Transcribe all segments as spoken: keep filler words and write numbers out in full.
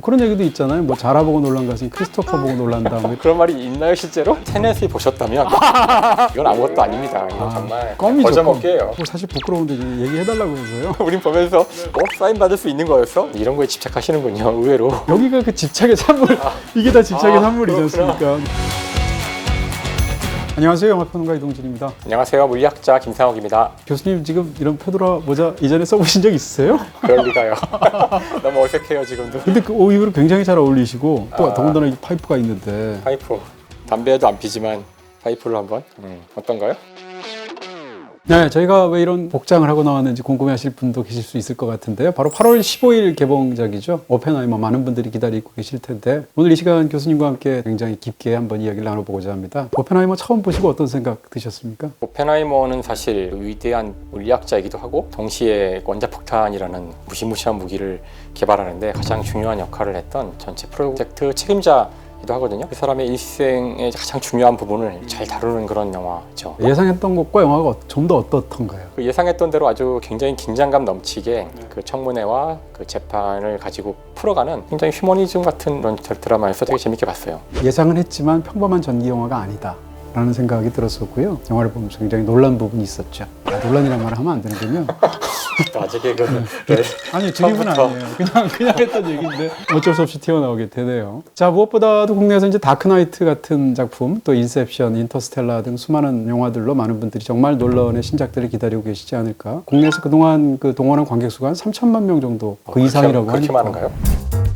그런 얘기도 있잖아요. 뭐 자라 보고 놀란 것은 크리스토퍼 보고 놀란다. 뭐 그런 말이 있나요 실제로? 테넷을 보셨다면 이건 아무것도 아닙니다. 이건 아, 정말 껌이죠, 거저먹기예요. 뭐 사실 부끄러운데 이제 얘기해달라고 해서요. 우린 보면서 어? 사인 받을 수 있는 거였어? 이런 거에 집착하시는군요. 의외로. 여기가 그 집착의 산물. 이게 다 집착의 아, 산물이지 그렇구나. 않습니까? 안녕하세요. 영화평론가 이동진입니다. 안녕하세요. 물리학자 김상욱입니다. 교수님 지금 이런 페도라 모자 이전에 써보신 적 있으세요? 그럴 리가요. 너무 어색해요 지금도. 근데 그 오히려 굉장히 잘 어울리시고 또 아. 더군다나 이 파이프가 있는데 파이프. 담배도 안 피지만 파이프로 한번. 음, 어떤가요? 네, 저희가 왜 이런 복장을 하고 나왔는지 궁금해하실 분도 계실 수 있을 것 같은데요. 바로 팔월 십오일 개봉작이죠. 오펜하이머. 많은 분들이 기다리고 계실 텐데 오늘 이 시간 교수님과 함께 굉장히 깊게 한번 이야기를 나눠보고자 합니다. 오펜하이머 처음 보시고 어떤 생각 드셨습니까? 오펜하이머는 사실 위대한 물리학자이기도 하고 동시에 원자폭탄이라는 무시무시한 무기를 개발하는데 가장 중요한 역할을 했던 전체 프로젝트 책임자 기도 하거든요. 그 사람의 일생의 가장 중요한 부분을 잘 다루는 그런 영화죠. 예상했던 것과 영화가 좀 더 어떻던가요? 그 예상했던 대로 아주 굉장히 긴장감 넘치게 그 청문회와 그 재판을 가지고 풀어가는 굉장히 휴머니즘 같은 그런 드라마여서 되게 재밌게 봤어요. 예상은 했지만 평범한 전기 영화가 아니다 라는 생각이 들었었고요. 영화를 보면서 굉장히 놀란 부분이 있었죠. 아, 논란이란 말을 하면 안 되는군요. 아직 개그는 네. 아니 드립은 처음부터. 아니에요. 그냥 그냥 했던 얘기인데 어쩔 수 없이 튀어나오게 되네요. 자, 무엇보다도 국내에서 이제 다크나이트 같은 작품, 또 인셉션, 인터스텔라 등 수많은 영화들로 많은 분들이 정말 놀라운의 신작들을 기다리고 계시지 않을까. 국내에서 그동안 그 동원한 관객 수가 한 삼천만 명 정도 그 어, 이상이라고 그렇게, 하니까. 그렇게 많은가요?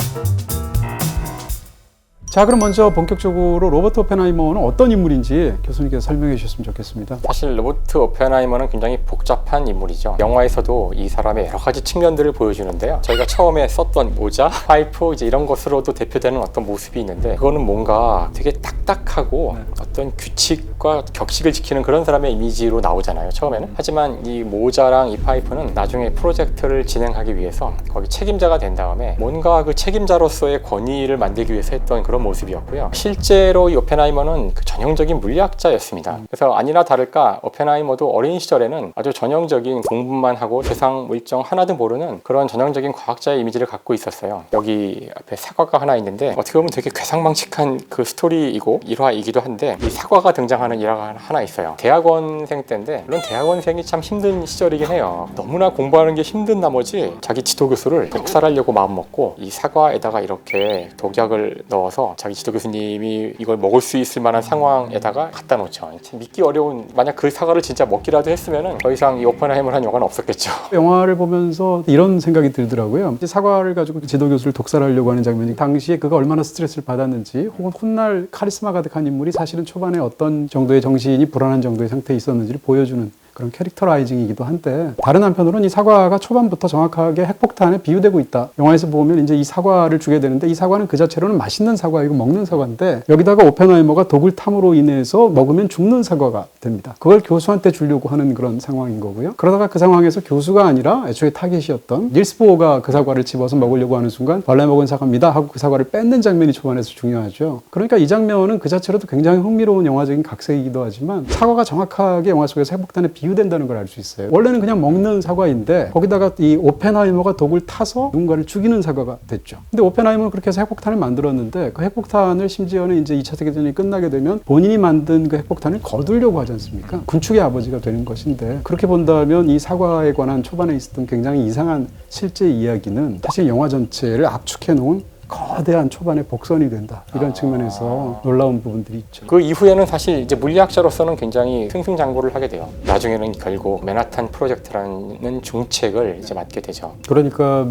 자, 그럼 먼저 본격적으로 로버트 오펜하이머는 어떤 인물인지 교수님께서 설명해 주셨으면 좋겠습니다. 사실 로버트 오펜하이머는 굉장히 복잡한 인물이죠. 영화에서도 이 사람의 여러 가지 측면들을 보여주는데요. 저희가 처음에 썼던 모자, 파이프 이제 이런 것으로도 대표되는 어떤 모습이 있는데 그거는 뭔가 되게 딱딱하고 네. 어떤 규칙과 격식을 지키는 그런 사람의 이미지로 나오잖아요. 처음에는. 하지만 이 모자랑 이 파이프는 나중에 프로젝트를 진행하기 위해서 거기 책임자가 된 다음에 뭔가 그 책임자로서의 권위를 만들기 위해서 했던 그런 모습이었고요. 실제로 이 오펜하이머는 그 전형적인 물리학자였습니다. 그래서 아니나 다를까 오펜하이머도 어린 시절에는 아주 전형적인 공부만 하고 세상 물정 하나도 모르는 그런 전형적인 과학자의 이미지를 갖고 있었어요. 여기 앞에 사과가 하나 있는데 어떻게 보면 되게 괴상망측한 그 스토리이고 일화이기도 한데 이 사과가 등장하는 일화가 하나 있어요. 대학원생 때인데 물론 대학원생이 참 힘든 시절이긴 해요. 너무나 공부하는 게 힘든 나머지 자기 지도교수를 독살하려고 마음먹고 이 사과에다가 이렇게 독약을 넣어서 자기 지도 교수님이 이걸 먹을 수 있을 만한 상황에다가 갖다 놓죠. 믿기 어려운, 만약 그 사과를 진짜 먹기라도 했으면은 더 이상 이 오펜하이머를 한 영화는 없었겠죠. 영화를 보면서 이런 생각이 들더라고요. 이제 사과를 가지고 지도 교수를 독살하려고 하는 장면이 당시에 그가 얼마나 스트레스를 받았는지 혹은 훗날 카리스마 가득한 인물이 사실은 초반에 어떤 정도의 정신이 불안한 정도의 상태에 있었는지를 보여주는 그런 캐릭터라이징이기도 한데, 다른 한편으로는 이 사과가 초반부터 정확하게 핵폭탄에 비유되고 있다. 영화에서 보면 이제 이 사과를 주게 되는데 이 사과는 그 자체로는 맛있는 사과이고 먹는 사과인데 여기다가 오펜하이머가 독을 탐으로 인해서 먹으면 죽는 사과가 됩니다. 그걸 교수한테 주려고 하는 그런 상황인 거고요. 그러다가 그 상황에서 교수가 아니라 애초에 타겟이었던 닐스 보어가 그 사과를 집어서 먹으려고 하는 순간 원래 먹은 사과입니다 하고 그 사과를 뺏는 장면이 초반에서 중요하죠. 그러니까 이 장면은 그 자체로도 굉장히 흥미로운 영화적인 각색이기도 하지만 사과가 정확하게 영화 속에서 핵폭탄에 비유된다는 걸 알 수 있어요. 원래는 그냥 먹는 사과인데 거기다가 이 오펜하이머가 독을 타서 누군가를 죽이는 사과가 됐죠. 근데 오펜하이머는 그렇게 해서 핵폭탄을 만들었는데 그 핵폭탄을 심지어는 이제 이 차 세계대전이 끝나게 되면 본인이 만든 그 핵폭탄을 거두려고 하지 않습니까? 군축의 아버지가 되는 것인데, 그렇게 본다면 이 사과에 관한 초반에 있었던 굉장히 이상한 실제 이야기는 사실 영화 전체를 압축해 놓은 거대한 초반의 복선이 된다. 이런 아... 측면에서 놀라운 부분들이 있죠. 그 이후에는 사실 이제 물리학자로서는 굉장히 승승장구를 하게 돼요. 나중에는 결국 맨하탄 프로젝트라는 중책을 이제 맡게 되죠. 그러니까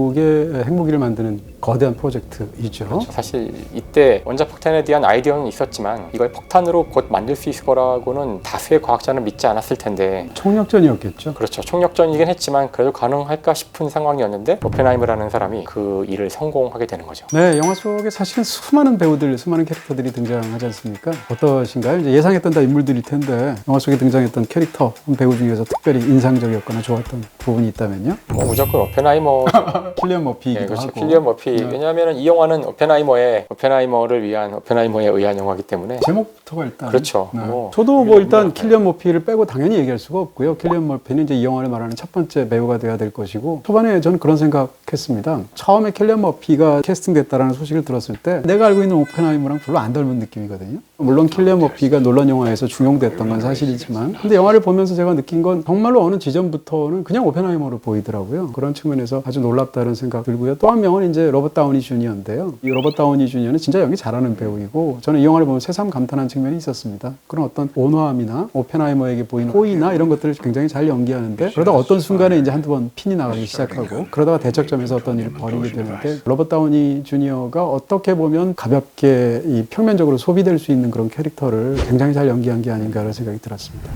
미국의 핵무기를 만드는 거대한 프로젝트이죠. 그렇죠. 사실 이때 원자폭탄에 대한 아이디어는 있었지만 이걸 폭탄으로 곧 만들 수 있을 거라고는 다수의 과학자는 믿지 않았을 텐데. 총력전이었겠죠. 그렇죠. 총력전이긴 했지만 그래도 가능할까 싶은 상황이었는데 오펜하이머라는 사람이 그 일을 성공하게 되는 거죠. 네, 영화 속에 사실은 수많은 배우들, 수많은 캐릭터들이 등장하지 않습니까? 어떠신가요? 이제 예상했던 다 인물들일 텐데 영화 속에 등장했던 캐릭터, 배우 중에서 특별히 인상적이었거나 좋았던 부분이 있다면요? 뭐 무조건 오펜하이머. 킬리언 머피이기도 네, 그렇죠. 하고. 킬리언 머피 네. 왜냐하면 이 영화는 오펜하이머의 오펜하이머를 위한 오펜하이머에 의한 영화이기 때문에 제목부터가 일단 그렇죠. 네. 뭐, 저도 뭐 일단 킬리안 머피를 빼고 당연히 얘기할 수가 없고요. 킬리안 머피는 이제 이 영화를 말하는 첫 번째 배우가 돼야 될 것이고 초반에 저는 그런 생각했습니다. 처음에 킬리안 머피가 캐스팅됐다라는 소식을 들었을 때 내가 알고 있는 오펜하이머랑 별로 안 닮은 느낌이거든요. 물론 킬리안 머피가 논란 영화에서 중용됐던 건 사실이지만 근데 영화를 보면서 제가 느낀 건 정말로 어느 지점부터는 그냥 오펜하이머로 보이더라고요. 그런 측면에서 아주 놀랍다는 생각 들고요. 또 한 명은 이제 로버트 다우니 주니어인데요. 이 로버트 다우니 주니어는 진짜 연기 잘하는 배우이고 저는 이 영화를 보면 새삼 감탄한 측면이 있었습니다. 그런 어떤 온화함이나 오펜하이머에게 보이는 호의나 이런 것들을 굉장히 잘 연기하는데 그러다 어떤 순간에 이제 한두 번 핀이 나가기 시작하고 그러다가 대척점에서 어떤 일을 벌이게 되는데 로버트 다우니 주니어가 어떻게 보면 가볍게 이 평면적으로 소비될 수 있는 그런 캐릭터를 굉장히 잘 연기한 게 아닌가라는 생각이 들었습니다.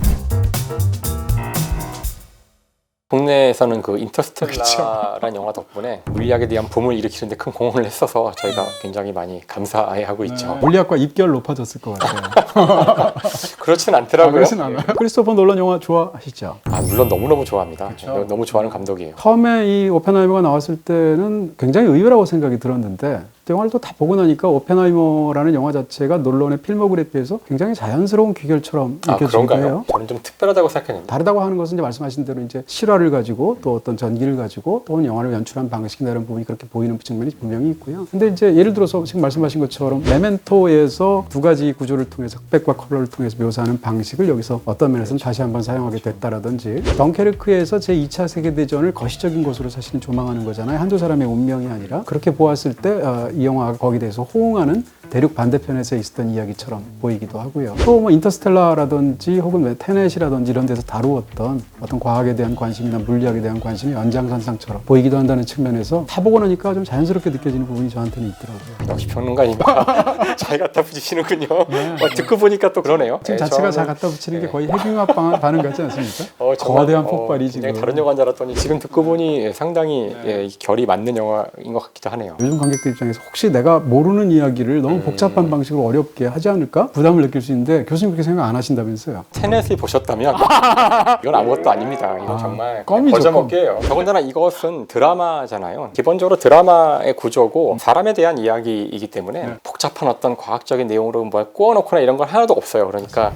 국내에서는 그 인터스텔라라는 영화 덕분에 물리학에 대한 붐을 일으키는데 큰 공헌을 했어서 저희가 굉장히 많이 감사해하고 있죠. 네. 물리학과 입결 높아졌을 것 같아요. 그렇진 않더라고요. 아, 그렇진 않아요. 크리스토퍼 놀란 영화 좋아하시죠? 아, 물론 너무너무 좋아합니다. 그렇죠. 너무 좋아하는 감독이에요. 처음에 이 오펜하이머가 나왔을 때는 굉장히 의외라고 생각이 들었는데 영화를 또 다 보고 나니까 오펜하이머라는 영화 자체가 논란의 필모그래피에서 굉장히 자연스러운 귀결처럼 아, 느껴지기도 그런가요? 해요. 저는 좀 특별하다고 생각했는데. 다르다고 하는 것은 이제 말씀하신 대로 이제 실화를 가지고 또 어떤 전기를 가지고 또는 영화를 연출한 방식이나 이런 부분이 그렇게 보이는 측면이 분명히 있고요. 근데 이제 예를 들어서 지금 말씀하신 것처럼 메멘토에서 두 가지 구조를 통해서 흑백과 컬러를 통해서 묘사하는 방식을 여기서 어떤 면에서는 다시 한번 사용하게 됐다라든지 덩케르크에서 제이 차 세계대전을 거시적인 것으로 사실은 조망하는 거잖아요. 한두 사람의 운명이 아니라 그렇게 보았을 때 어, 이 영화가 거기에 대해서 호응하는 대륙 반대편에서 있었던 이야기처럼 보이기도 하고요. 또 뭐 인터스텔라라든지 혹은 테넷이라든지 이런 데서 다루었던 어떤 과학에 대한 관심이나 물리학에 대한 관심이 연장선상처럼 보이기도 한다는 측면에서 다 보고 나니까 좀 자연스럽게 느껴지는 부분이 저한테는 있더라고요. 역시 평론가니까 잘 갖다 붙이시는군요. 네. 어, 듣고 보니까 또 그러네요. 지금 네, 자체가 저는- 잘 갖다 붙이는 게 네. 거의 핵융합 방- 반응 같지 않습니까? 어, 정말, 거대한 어, 폭발이 굉장히 지금. 다른 영화인 줄 알았더니 지금 듣고 보니 상당히 네. 예, 결이 맞는 영화인 것 같기도 하네요. 요즘 관객들 입장에서 혹시 내가 모르는 이야기를 너무 음. 복잡한 방식으로 어렵게 하지 않을까? 부담을 느낄 수 있는데 교수님 그렇게 생각 안 하신다면서요? 테넷을 보셨다면 이건 아무것도 아닙니다. 이건 아, 정말 껌이죠, 거저먹기예요. 더군다나 이것은 드라마잖아요. 기본적으로 드라마의 구조고 사람에 대한 이야기이기 때문에 네. 복잡한 어떤 과학적인 내용으로 뭘 꼬아놓거나 이런 건 하나도 없어요. 그러니까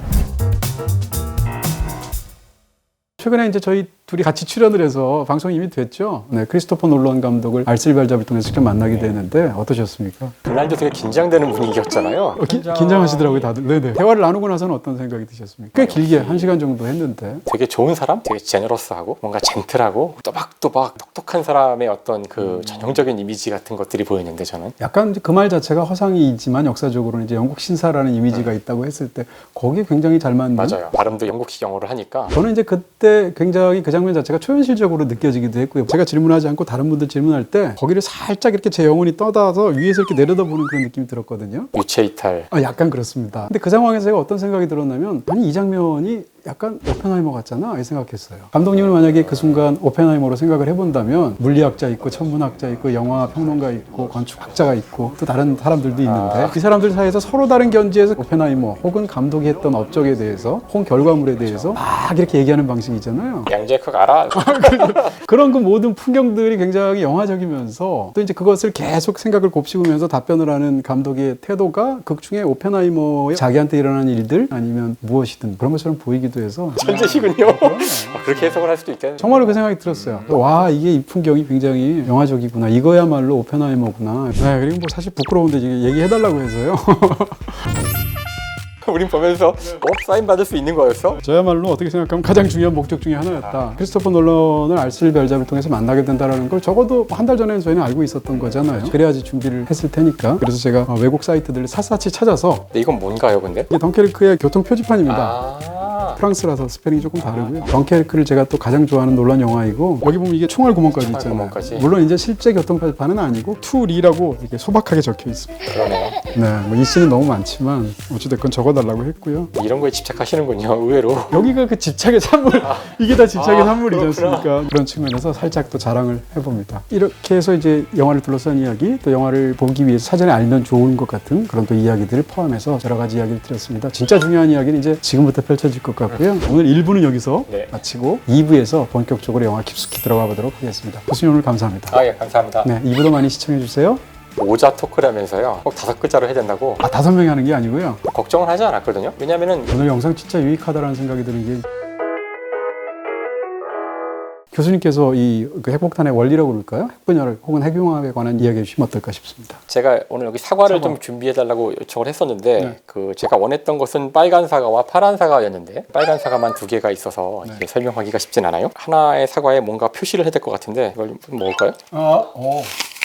최근에 이제 저희 둘이 같이 출연을 해서 방송이 이미 됐죠. 네, 크리스토퍼 놀란 감독을 알쓸별잡을 통해서 직접 만나게 되는데 어떠셨습니까? 그날도 되게 긴장되는 분위기였잖아요. 어, 기, 긴장하시더라고요, 다들. 네네. 대화를 나누고 나서는 어떤 생각이 드셨습니까? 꽤 길게 한 시간 정도 했는데. 되게 좋은 사람, 되게 제너러스하고 뭔가 젠틀하고 또박또박 똑똑한 사람의 어떤 그 전형적인 이미지 같은 것들이 보였는데 저는 약간 그 말 자체가 허상이지만 역사적으로는 이제 영국 신사라는 이미지가 있다고 했을 때 거기에 굉장히 잘 맞는. 맞아요. 발음도 영국식 영어를 하니까 저는 이제 그때 굉장히 그 장면 자체가 초현실적으로 느껴지기도 했고요. 제가 질문하지 않고 다른 분들 질문할 때 거기를 살짝 이렇게 제 영혼이 떠다서 위에서 이렇게 내려다보는 그런 느낌이 들었거든요. 유체 이탈. 아, 약간 그렇습니다. 근데 그 상황에서 제가 어떤 생각이 들었냐면 아니 이 장면이 약간 오펜하이머 같잖아 이 생각했어요. 감독님은 만약에 그 순간 오펜하이머로 생각을 해본다면 물리학자 있고 천문학자 있고 영화 평론가 있고 건축학자가 있고 또 다른 사람들도 있는데 아. 이 사람들 사이에서 서로 다른 견지에서 오펜하이머 혹은 감독이 했던 업적에 대해서 혹은 결과물에 대해서 막 이렇게 얘기하는 방식이잖아요. 양재크 알아? 그런 그 모든 풍경들이 굉장히 영화적이면서 또 이제 그것을 계속 생각을 곱씹으면서 답변을 하는 감독의 태도가 극중에 오펜하이머의 자기한테 일어난 일들 아니면 무엇이든 그런 것처럼 보이기도 해서 천재시군요. 아, 그렇게 해석을 할 수도 있겠네요. 정말로 그 생각이 들었어요. 와 이게 이 풍경이 굉장히 영화적이구나. 이거야말로 오펜하이머구나. 네, 그리고 뭐 사실 부끄러운데 지금 얘기해달라고 해서요. 우린 보면서 어? 사인 받을 수 있는 거였어? 저야말로 어떻게 생각하면 가장 중요한 목적 중에 하나였다. 크리스토퍼 놀런을 알쓸별잡을 통해서 만나게 된다는 걸 적어도 한 달 전에는 저희는 알고 있었던 거잖아요. 그래야지 준비를 했을 테니까. 그래서 제가 외국 사이트들을 샅샅이 찾아서 근데 이건 뭔가요 근데? 이게 덩케르크의 교통 표지판입니다. 아 프랑스라서 스페링이 조금 다르고요. 덩케르크를 제가 또 가장 좋아하는 논란 영화이고 여기 보면 이게 총알 구멍까지 총알 있잖아요. 구멍까지. 물론 이제 실제 교통 표지판은 아니고 투리라고 이렇게 소박하게 적혀 있습니다. 그러네요. 네, 뭐 이 씬은 너무 많지만 어찌됐건 적어달라고 했고요. 이런 거에 집착하시는군요 의외로. 여기가 그 집착의 산물, 이게 다 집착의 아, 산물이지 그렇구나. 않습니까? 그런 측면에서 살짝 또 자랑을 해봅니다. 이렇게 해서 이제 영화를 둘러싼 이야기, 또 영화를 보기 위해서 사전에 알면 좋은 것 같은 그런 또 이야기들을 포함해서 여러 가지 이야기를 드렸습니다. 진짜 중요한 이야기는 이제 지금부터 펼쳐질 것 같고요. 오늘 일 부는 여기서 네. 마치고 이 부에서 본격적으로 영화 깊숙이 들어가 보도록 하겠습니다. 교수님 오늘 감사합니다. 아 예 감사합니다. 네, 이 부도 많이 시청해 주세요. 오자 토크라면서요. 꼭 다섯 글자로 해야 된다고 아, 다섯 명이 하는 게 아니고요. 걱정을 하지 않았거든요. 왜냐면은 오늘 영상 진짜 유익하다라는 생각이 드는 게 교수님께서 이 그 핵폭탄의 원리라고 그럴까요? 핵분열 혹은 핵융합에 관한 이야기 해주시면 어떨까 싶습니다. 제가 오늘 여기 사과를 사과. 좀 준비해달라고 요청을 했었는데 네. 그 제가 원했던 것은 빨간 사과와 파란 사과였는데 빨간 사과만 두 개가 있어서 네. 이게 설명하기가 쉽진 않아요. 하나의 사과에 뭔가 표시를 해야 될 것 같은데 이걸 좀 먹을까요? 아, 어.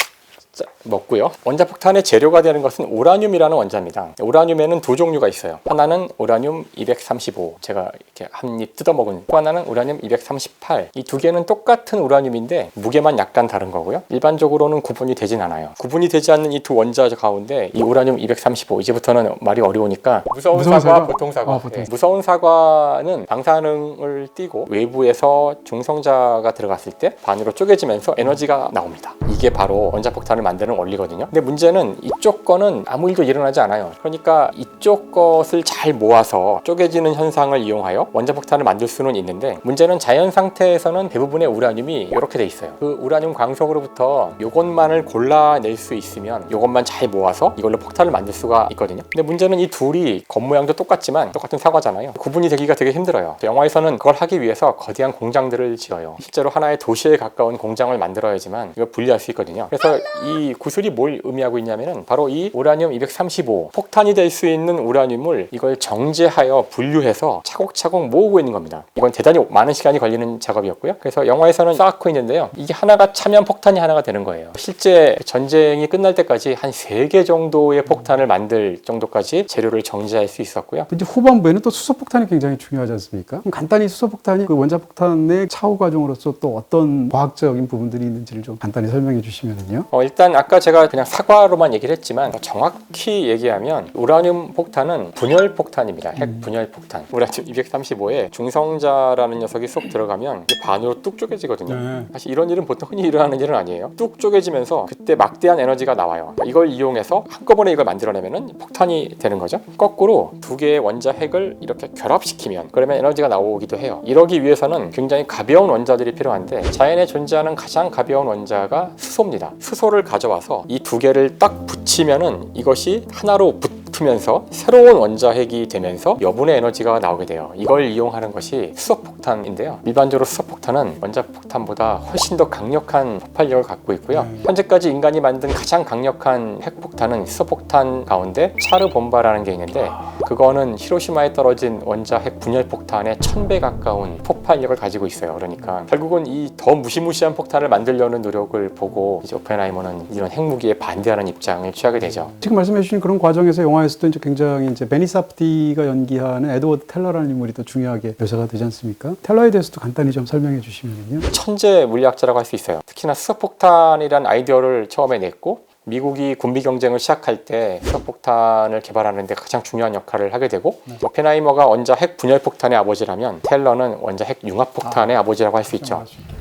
자, 먹고요. 원자폭탄의 재료가 되는 것은 우라늄이라는 원자입니다. 우라늄에는 두 종류가 있어요. 하나는 우라늄 이백삼십오, 제가 이렇게 한 입 뜯어먹은, 또 하나는 우라늄 이백삼십팔. 이 두 개는 똑같은 우라늄인데 무게만 약간 다른 거고요. 일반적으로는 구분이 되진 않아요. 구분이 되지 않는 이 두 원자 가운데 이 우라늄 이백삼십오, 이제부터는 말이 어려우니까 무서운, 무서운 사과, 사과? 보통 사과. 아, 보통. 네. 무서운 사과는 방사능을 띠고 외부에서 중성자가 들어갔을 때 반으로 쪼개지면서 에너지가 나옵니다. 이게 바로 원자폭탄을 만드는 원리거든요. 근데 문제는 이쪽 거는 아무 일도 일어나지 않아요. 그러니까 이쪽 것을 잘 모아서 쪼개지는 현상을 이용하여 원자폭탄을 만들 수는 있는데, 문제는 자연 상태에서는 대부분의 우라늄이 이렇게 돼 있어요. 그 우라늄 광석으로부터 이것만을 골라낼 수 있으면 이것만 잘 모아서 이걸로 폭탄을 만들 수가 있거든요. 근데 문제는 이 둘이 겉모양도 똑같지만 똑같은 사과잖아요. 구분이 되기가 되게 힘들어요. 영화에서는 그걸 하기 위해서 거대한 공장들을 지어요. 실제로 하나의 도시에 가까운 공장을 만들어야지만 이걸 분리할 수 있거든요. 그래서 이 구슬이 뭘 의미하고 있냐면은 바로 이 우라늄 이백삼십오, 폭탄이 될 수 있는 우라늄을 이걸 정제하여 분류해서 차곡차곡 모으고 있는 겁니다. 이건 대단히 많은 시간이 걸리는 작업이었고요. 그래서 영화에서는 쌓고 있는데요. 이게 하나가 차면 폭탄이 하나가 되는 거예요. 실제 전쟁이 끝날 때까지 한 세 개 정도의 폭탄을 만들 정도까지 재료를 정제할 수 있었고요. 이제 후반부에는 또 수소폭탄이 굉장히 중요하지 않습니까? 그럼 간단히 수소폭탄이 그 원자폭탄의 차후 과정으로서 또 어떤 과학적인 부분들이 있는지를 좀 간단히 설명해 주시면요. 어, 일단 아까 제가 그냥 사과로만 얘기를 했지만 정확히 얘기하면 우라늄 폭탄은 분열 폭탄입니다. 핵 분열 폭탄. 우라늄 이백삼십오에 중성자라는 녀석이 쏙 들어가면 이게 반으로 뚝 쪼개지거든요. 네. 사실 이런 일은 보통 흔히 일어나는 일은 아니에요. 뚝 쪼개지면서 그때 막대한 에너지가 나와요. 이걸 이용해서 한꺼번에 이걸 만들어내면 폭탄이 되는 거죠. 거꾸로 두 개의 원자 핵을 이렇게 결합시키면 그러면 에너지가 나오기도 해요. 이러기 위해서는 굉장히 가벼운 원자들이 필요한데 자연에 존재하는 가장 가벼운 원자가 수소입니다. 수소를 가져와서 이 두 개를 딱 붙이면은 이것이 하나로 붙으면서 새로운 원자핵이 되면서 여분의 에너지가 나오게 돼요. 이걸 이용하는 것이 수소폭탄인데요. 일반적으로 수소폭탄은 원자폭탄보다 훨씬 더 강력한 폭발력을 갖고 있고요. 네. 현재까지 인간이 만든 가장 강력한 핵폭탄은 수소폭탄 가운데 차르본바라는 게 있는데 그거는 히로시마에 떨어진 원자핵 분열폭탄의 천 배 가까운 폭발력을 가지고 있어요. 그러니까 결국은 이 더 무시무시한 폭탄을 만들려는 노력을 보고 이제 오펜하이머는 이런 핵무기에 반대하는 입장을 취하게 되죠. 지금 말씀해 주신 그런 과정에서 영화에서도 이제 굉장히 이제 베니 사프디가 연기하는 에드워드 텔러라는 인물이 또 중요하게 묘사가 되지 않습니까? 텔러에 대해서도 간단히 좀 설명해 주시면요. 천재 물리학자라고 할 수 있어요. 특히나 수소폭탄이라는 아이디어를 처음에 냈고 미국이 군비 경쟁을 시작할 때 수소폭탄을 개발하는 데 가장 중요한 역할을 하게 되고 네. 오펜하이머가 원자 핵 분열폭탄의 아버지라면 텔러는 원자 핵 융합폭탄의 아, 아버지라고 할 수 있죠.